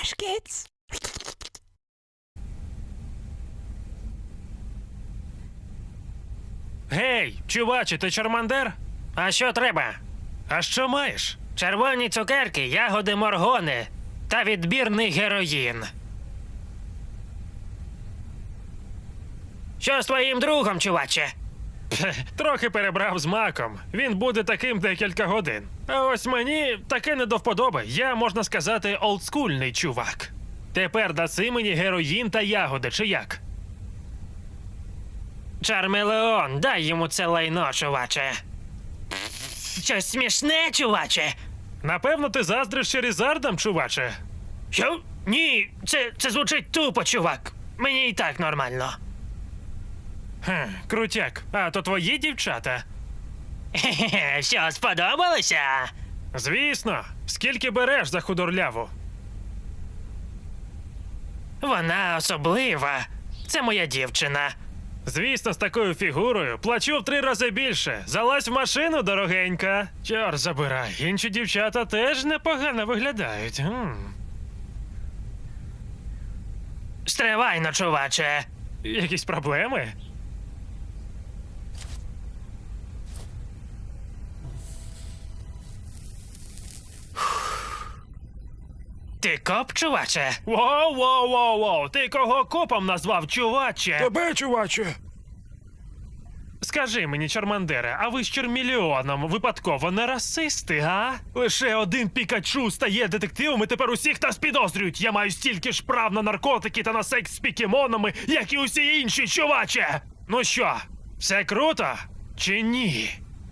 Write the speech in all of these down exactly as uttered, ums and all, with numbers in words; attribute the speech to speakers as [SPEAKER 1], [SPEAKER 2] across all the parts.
[SPEAKER 1] Hush, kids.
[SPEAKER 2] Гей, чуваче, ти Чармандер?
[SPEAKER 3] А що треба?
[SPEAKER 2] А що маєш?
[SPEAKER 3] Червоні цукерки, ягоди моргони та відбірний героїн. Що з твоїм другом, чуваче?
[SPEAKER 2] Пхе, трохи перебрав з маком. Він буде таким декілька годин. А ось мені таке не до вподоби. Я, можна сказати, олдскульний чувак. Тепер даси мені героїн та ягоди, чи як?
[SPEAKER 3] Чармелеон, дай йому це лайно, чуваче. Щось смішне, чуваче?
[SPEAKER 2] Напевно, ти заздриш Черізардам, чуваче.
[SPEAKER 3] Що? Ні, це, це звучить тупо, чувак. Мені і так нормально.
[SPEAKER 2] Хм, крутяк. А то твої дівчата?
[SPEAKER 3] Хе-хе, що, сподобалося?
[SPEAKER 2] Звісно. Скільки береш за худорляву?
[SPEAKER 3] Вона особлива. Це моя дівчина.
[SPEAKER 2] Звісно, з такою фігурою плачу в три рази більше. Залазь в машину, дорогенька. Чор забирай. Інші дівчата теж непогано виглядають. М.
[SPEAKER 3] Стривайно, чуваче.
[SPEAKER 2] Якісь проблеми?
[SPEAKER 3] Ти коп, чуваче?
[SPEAKER 2] Воу, воу, воу, воу. Ти кого копом назвав, чуваче?
[SPEAKER 1] Тебе, чуваче.
[SPEAKER 2] Скажи мені, Чармандере, а ви з Чермільйоном випадково не расисти, га? Лише один Пікачу стає детективом і тепер усіх нас підозрюють. Я маю стільки ж прав на наркотики та на секс з покемонами, як і усі інші, чуваче! Ну що, все круто? Чи ні?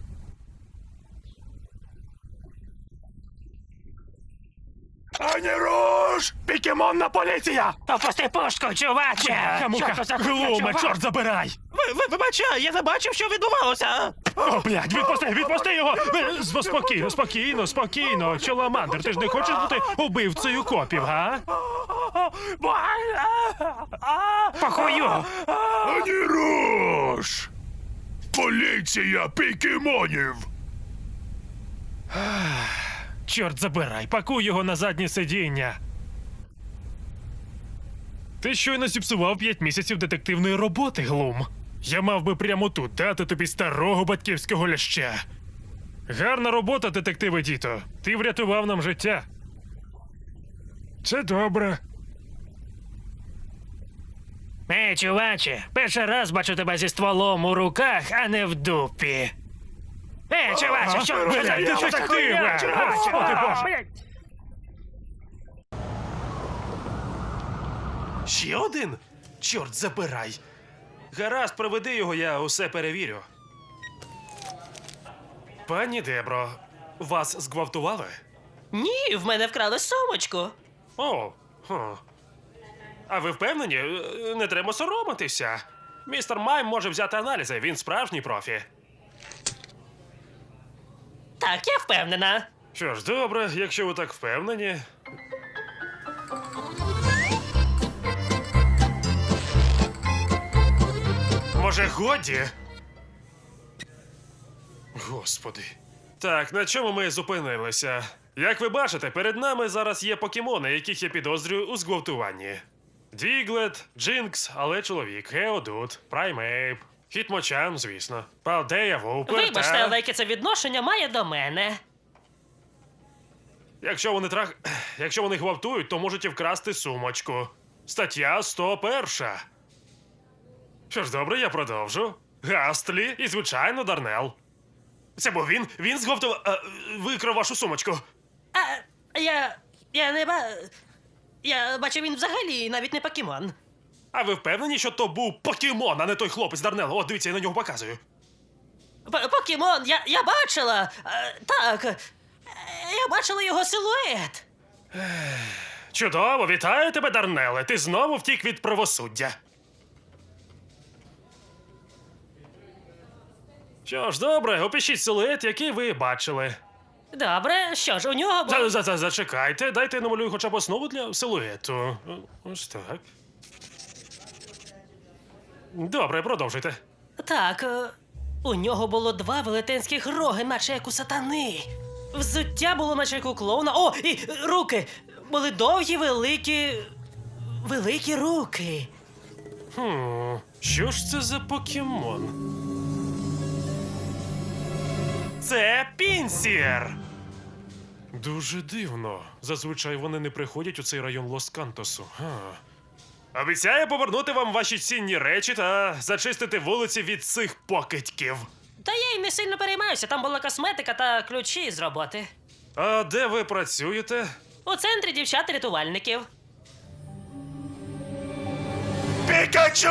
[SPEAKER 2] Ані руш! Покемонна поліція!
[SPEAKER 3] Опусти пушку, чуваче!
[SPEAKER 2] Хамуха, глуме, чорт забирай!
[SPEAKER 3] Ви, ви, вибачай, я не бачив, що відбувалося.
[SPEAKER 2] О, блядь, відпусти, відпусти його! Е, з- Спокійно, спокійно, спокійно. Чоламандр, ти ж не хочеш бути убивцею копів, га?
[SPEAKER 3] Похую!
[SPEAKER 4] Ані руш! Поліція покемонів!
[SPEAKER 2] Чорт забирай, пакуй його на заднє сидіння. Ти щойно зіпсував п'ять місяців детективної роботи, Глум. Я мав би прямо тут дати тобі старого батьківського ляща. Гарна робота, детективе Діто. Ти врятував нам життя. Це добре.
[SPEAKER 3] Ей, чуваче, перший раз бачу тебе зі стволом у руках, а не в дупі. Ей, чуваче, що що за
[SPEAKER 2] Блядь,
[SPEAKER 3] що за
[SPEAKER 2] детективе!
[SPEAKER 3] хуйня, чуваче?
[SPEAKER 2] Господи Боже!
[SPEAKER 3] Блядь.
[SPEAKER 2] Ще один? Чорт забирай. Гаразд, проведи його, я усе перевірю. Пані Дебро, вас зґвалтували?
[SPEAKER 5] Ні, в мене вкрали сумочку.
[SPEAKER 2] О, хм. А ви впевнені? Е, Не треба соромитися. Містер Майм може взяти аналізи, він справжній профі.
[SPEAKER 5] Так, я впевнена.
[SPEAKER 2] Що ж, добре, якщо ви так впевнені. Може, годі? Господи. Так, на чому ми зупинилися? Як ви бачите, перед нами зараз є покемони, яких я підозрюю у зґвалтуванні. Діглет, Джинкс, але чоловік, Геодут, Праймейп, Хітмочан, звісно, Палдея, Вупер
[SPEAKER 5] Вибачте,
[SPEAKER 2] та...
[SPEAKER 5] але яке це відношення має до мене.
[SPEAKER 2] Якщо вони трах... Якщо вони гвалтують, то можуть і вкрасти сумочку. Стаття сто один. Що ж, добре, я продовжу. Гастлі і, звичайно, Дарнел. Це був він? Він зґвалтував... е, викрав вашу сумочку.
[SPEAKER 5] А я. я не ба. Я бачив, він взагалі навіть не покемон.
[SPEAKER 2] А ви впевнені, що то був покемон, а не той хлопець Дарнел? О, дивіться, я на нього показую.
[SPEAKER 5] П- Покемон, я, я бачила. Е, так. Е, Я бачила його силует.
[SPEAKER 2] Чудово, вітаю тебе, Дарнеле. Ти знову втік від правосуддя. Що ж, добре, опишіть силует, який ви бачили.
[SPEAKER 5] Добре, що ж, у нього був...
[SPEAKER 2] За, за, за, зачекайте, дайте я намалюю хоча б основу для силуету. Ось так. Добре, продовжуйте.
[SPEAKER 5] Так, е, у нього було два велетенських роги, наче як у сатани. Взуття було наче як у клоуна. О, і е, руки! були довгі, великі. великі руки.
[SPEAKER 2] Хм, що ж це за покемон? Це Пінсір! Дуже дивно. Зазвичай вони не приходять у цей район Лос-Кантосу. Га. Обіцяю повернути вам ваші цінні речі та зачистити вулиці від цих покидьків.
[SPEAKER 5] Та я й не сильно переймаюся, там була косметика та ключі з роботи.
[SPEAKER 2] А де ви працюєте?
[SPEAKER 5] У центрі дівчат-рятувальників.
[SPEAKER 4] Пікачу!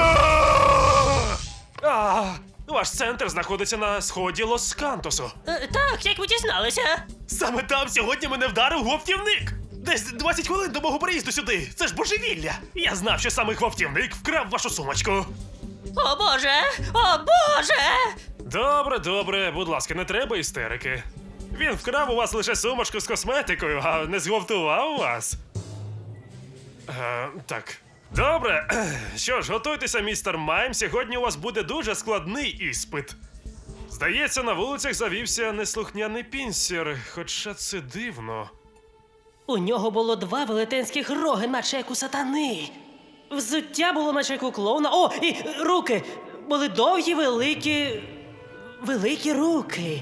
[SPEAKER 2] А, ваш центр знаходиться на сході Лос-Кантосу.
[SPEAKER 5] Е, так, як ви дізналися?
[SPEAKER 2] Саме там сьогодні мене вдарив гвалтівник. Десь двадцять хвилин до мого приїзду сюди. Це ж божевілля. Я знав, що саме гвалтівник вкрав вашу сумочку.
[SPEAKER 5] О боже! О боже!
[SPEAKER 2] Добре, добре, будь ласка, не треба істерики. Він вкрав у вас лише сумочку з косметикою, а не зґвалтував вас. Е, так. Добре. Що ж, готуйтеся, містер Майм. Сьогодні у вас буде дуже складний іспит. Здається, на вулицях завівся неслухняний Пінсір, хоча це дивно.
[SPEAKER 5] У нього було два велетенських роги, наче як у сатани. Взуття було наче як у клоуна. О, і руки! Були довгі, великі. великі руки.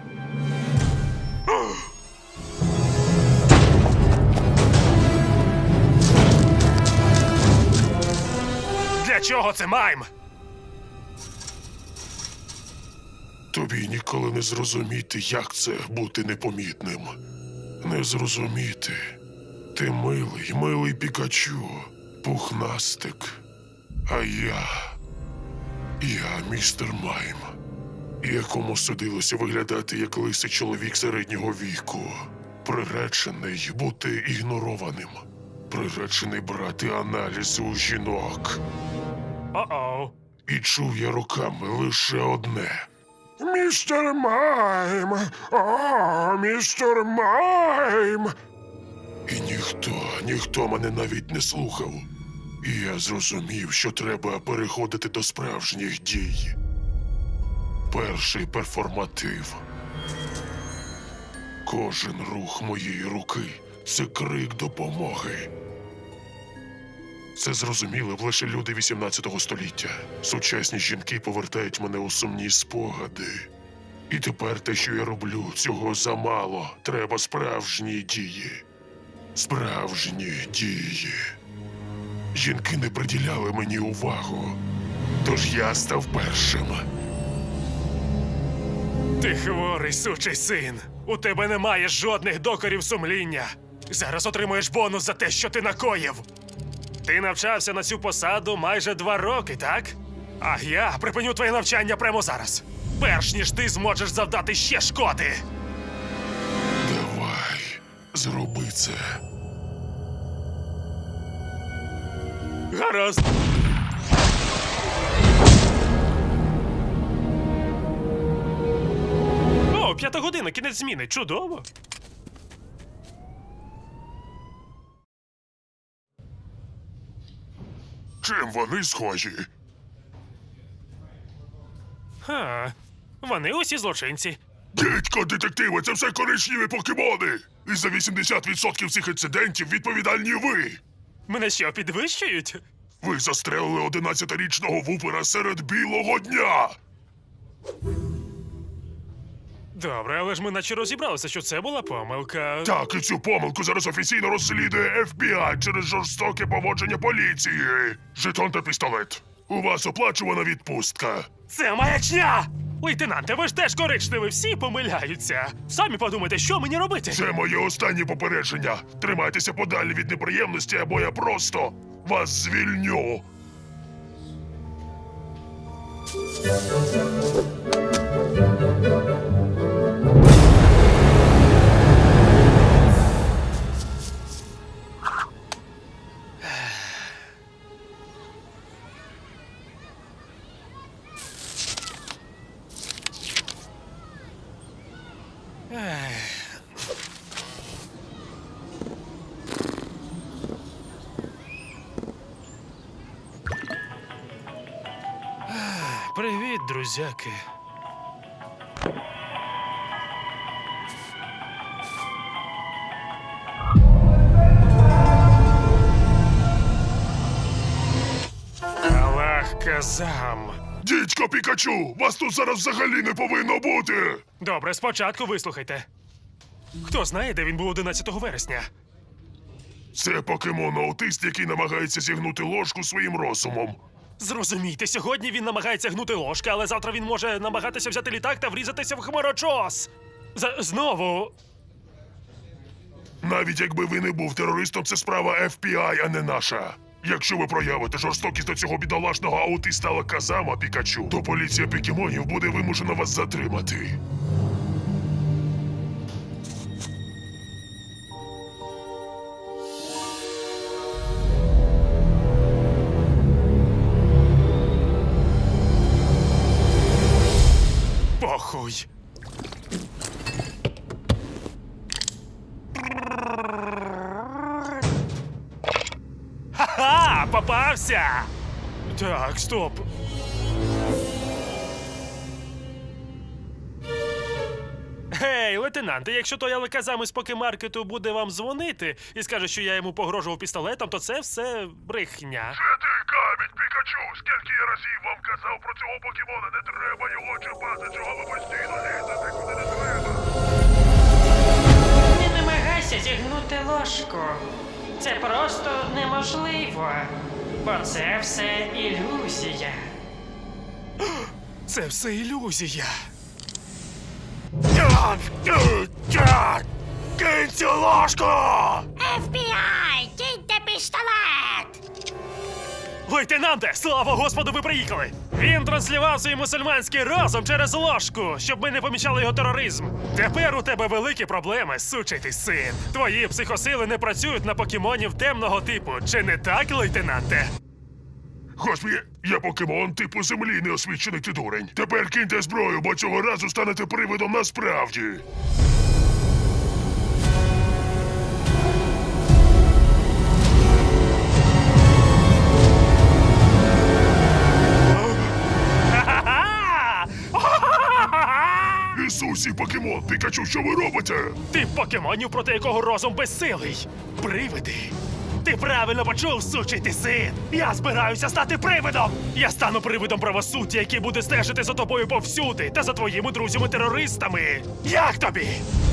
[SPEAKER 2] Для чого це, Майм?
[SPEAKER 4] Тобі ніколи не зрозуміти, як це бути непомітним. Не зрозуміти. Ти милий, милий Пікачу, пухнастик. А я. Я містер Майм, якому судилося виглядати як лисий чоловік середнього віку. Приречений бути ігнорованим. Приречений брати аналізи у жінок.
[SPEAKER 2] О-оу.
[SPEAKER 4] І чув я руками лише одне. Містер Майм! О, містер Майм! І ніхто, ніхто мене навіть не слухав. І я зрозумів, що треба переходити до справжніх дій. Перший перформатив. Кожен рух моєї руки – це крик допомоги. Це зрозуміли б лише люди вісімнадцятого століття. Сучасні жінки повертають мене у сумні спогади. І тепер те, що я роблю, цього замало. Треба справжні дії. Справжні дії. Жінки не приділяли мені увагу. Тож я став першим.
[SPEAKER 2] Ти хворий, сучий син. У тебе немає жодних докорів сумління. Зараз отримуєш бонус за те, що ти накоїв. Ти навчався на цю посаду майже два роки, так? А я припиню твоє навчання прямо зараз. Перш ніж ти зможеш завдати ще шкоди.
[SPEAKER 4] Давай, зроби це.
[SPEAKER 2] Гаразд. О, п'ята година, кінець зміни. Чудово.
[SPEAKER 4] Чим вони схожі?
[SPEAKER 2] Ха, вони усі злочинці.
[SPEAKER 4] Дідько, детективи, це все коричневі покемони! І за вісімдесят відсотків цих інцидентів відповідальні ви!
[SPEAKER 2] Мене що, підвищують?
[SPEAKER 4] Ви застрелили одинадцятирічного вупера серед білого дня!
[SPEAKER 2] Добре, але ж ми наче розібралися, що це була помилка.
[SPEAKER 4] Так, і цю помилку зараз офіційно розслідує еф бі ай через жорстоке поводження поліції. Жетон та пістолет. У вас оплачувана відпустка.
[SPEAKER 2] Це маячня! Лейтенанте, ви ж теж коричневі, всі помиляються. Самі подумайте, що мені робити?
[SPEAKER 4] Це моє останнє попередження. Тримайтеся подалі від неприємності, або я просто вас звільню.
[SPEAKER 2] Привіт, друзяки. Казам.
[SPEAKER 4] Дідько Пікачу, вас тут зараз взагалі не повинно бути!
[SPEAKER 2] Добре, спочатку вислухайте. Хто знає, де він був одинадцятого вересня?
[SPEAKER 4] Це покемон-аутист, який намагається зігнути ложку своїм розумом.
[SPEAKER 2] Зрозумійте, сьогодні він намагається гнути ложки, але завтра він може намагатися взяти літак та врізатися в хмарочос. З- знову.
[SPEAKER 4] Навіть якби ви не був терористом, це справа еф бі ай, а не наша. Якщо ви проявите жорстокість до цього бідолашного аутиста Казама Пікачу, то поліція покемонів буде вимушена вас затримати.
[SPEAKER 2] Похуй. Ха-ха! Попався! Так, стоп. Гей, лейтенанте, якщо той Алеказам із покемаркету буде вам дзвонити і скаже, що я йому погрожував пістолетом, то це все брехня.
[SPEAKER 4] Це ти камінь, Пікачу! Скільки я разів вам казав про цього покемона, не треба його чіпати, чого ви постійно лізете, куди не треба.
[SPEAKER 5] Не намагайся зігнути ложку. Це просто неможливо. Бо це все ілюзія.
[SPEAKER 2] Це все ілюзія.
[SPEAKER 4] Кинь цю ложку!
[SPEAKER 1] еф бі ай, киньте пістолет!
[SPEAKER 2] Лейтенанте, слава Господу, ви приїхали! Він транслював свій мусульманський розум через ложку, щоб ми не помічали його тероризм. Тепер у тебе великі проблеми, сучий ти син. Твої психосили не працюють на покемонів темного типу. Чи не так, лейтенанте?
[SPEAKER 4] Господи, я покемон типу землі, неосвічений ти дурень. Тепер киньте зброю, бо цього разу станете привидом насправді.
[SPEAKER 2] Ха-ха-ха!
[SPEAKER 4] Ісусі, покемон, Пікачу, що ви робите?
[SPEAKER 2] Ти покемонів, проти якого розум безсилий. Привиди. Ти правильно почув, сучий ти син! Я збираюся стати привидом! Я стану привидом правосуддя, який буде стежити за тобою повсюди та за твоїми друзями-терористами! Як тобі?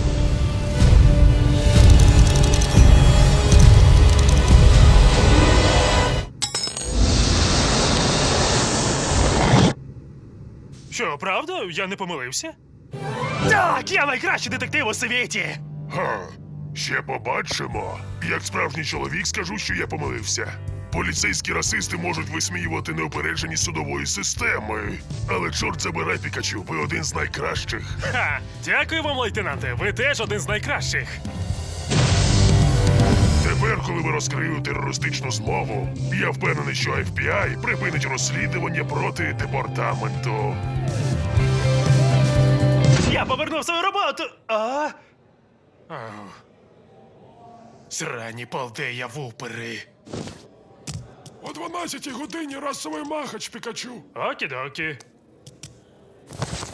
[SPEAKER 2] Що, правда? Я не помилився? Так, я найкращий детектив у світі!
[SPEAKER 4] Га, ще побачимо. Як справжній чоловік скажу, що я помилився. Поліцейські расисти можуть висміювати неупередженість судової системи. Але чорт забирай, Пікачу, ви один з найкращих.
[SPEAKER 2] Ха! Дякую вам, лейтенанте. Ви теж один з найкращих.
[SPEAKER 4] Тепер, коли ви розкрили терористичну змову, я впевнений, що еф бі ай припинить розслідування проти департаменту.
[SPEAKER 2] Я повернув свою роботу. А? Ау. Срані полдея вупери.
[SPEAKER 4] О дванадцятій годині расовий махач, Пікачу.
[SPEAKER 2] Окі-докі.